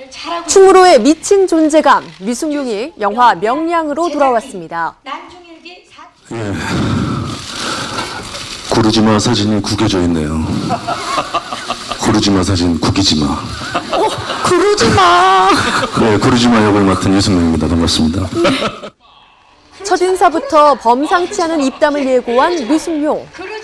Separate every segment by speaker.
Speaker 1: 충무로의 미친 존재감, 류승룡이 영화 명량으로 돌아왔습니다.
Speaker 2: 예, 고르지마 사진이 구겨져 있네요. 고르지마 사진 구기지마.
Speaker 1: 고르지마.
Speaker 2: 네, 고르지마 역을 맡은 유승룡입니다. 반갑습니다.
Speaker 1: 첫인사부터 범상치 않은 입담을 예고한 류승룡.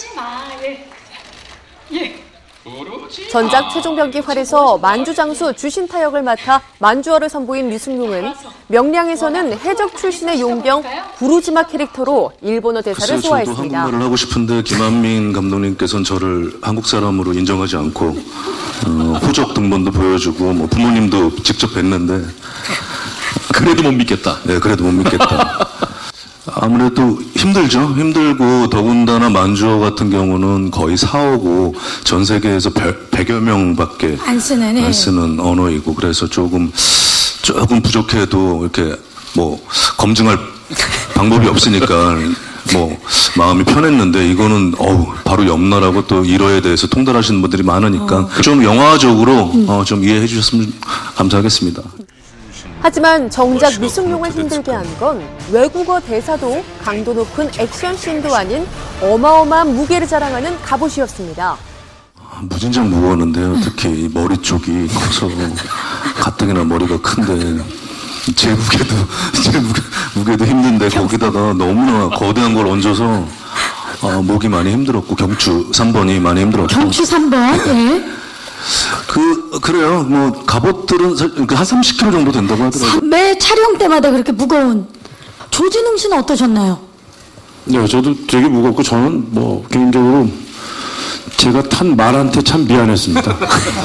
Speaker 1: 전작 최종병기활에서 만주장수 주신타 역을 맡아 만주어를 선보인 류승룡은 명량에서는 해적 출신의 용병 구루지마 캐릭터로 일본어 대사를 소화했습니다.
Speaker 2: 저도 한국말을 하고 싶은데 김한민 감독님께서는 저를 한국 사람으로 인정하지 않고 호적 등본도 보여주고 뭐 부모님도 직접 뵀는데
Speaker 3: 그래도 못 믿겠다.
Speaker 2: 네, 그래도 못 믿겠다. 아무래도 힘들죠. 힘들고 더군다나 만주어 같은 경우는 거의 4어고 전 세계에서 100여 명밖에 안 쓰는 언어이고 그래서 조금 부족해도 이렇게 뭐 검증할 방법이 없으니까 뭐 마음이 편했는데 이거는 바로 옆나라고 또 일어에 대해서 통달하시는 분들이 많으니까 좀 영화적으로 좀 이해해 주셨으면 감사하겠습니다.
Speaker 1: 하지만 정작 류승룡을 힘들게 한 건 외국어 대사도 강도 높은 액션씬도 아닌 어마어마한 무게를 자랑하는 갑옷이었습니다.
Speaker 2: 무진장 무거웠는데요. 특히 머리 쪽이 커서 가뜩이나 머리가 큰데 제 무게도 힘든데 거기다가 너무나 거대한 걸 얹어서 목이 많이 힘들었고 경추 3번이 많이 힘들었고.
Speaker 4: 경추 3번? 예.
Speaker 2: 그래요. 뭐 갑옷들은 한 30kg 정도 된다고 하더라고요.
Speaker 4: 매 촬영 때마다 그렇게 무거운. 조진웅 씨는 어떠셨나요?
Speaker 5: 네, 저도 되게 무겁고 저는 뭐 개인적으로 제가 탄 말한테 참 미안했습니다.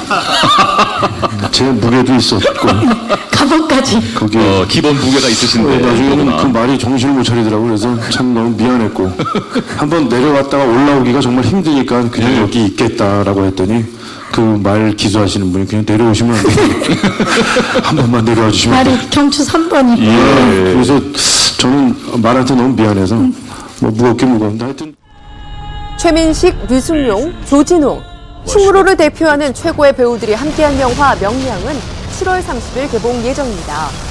Speaker 5: 제 무게도 있었고
Speaker 4: 갑옷까지.
Speaker 5: 거기에
Speaker 3: 기본 무게가 있으신데
Speaker 5: 나중에는 그 말이 정신을 못 차리더라고요. 그래서 참 너무 미안했고 한번 내려갔다가 올라오기가 정말 힘드니까 그냥 여기 있겠다라고 했더니 그 말 기소하시는 분이 그냥 내려오시면 안 돼요. 한 번만 내려와 주시면 안 돼요.
Speaker 4: 말이 경추 3번이고.
Speaker 5: 예. 그래서 저는 말한테 너무 미안해서 뭐 무겁긴 무거운데 하여튼.
Speaker 1: 최민식, 류승룡, 조진웅, 충무로를 대표하는 최고의 배우들이 함께한 영화 명량은 7월 30일 개봉 예정입니다.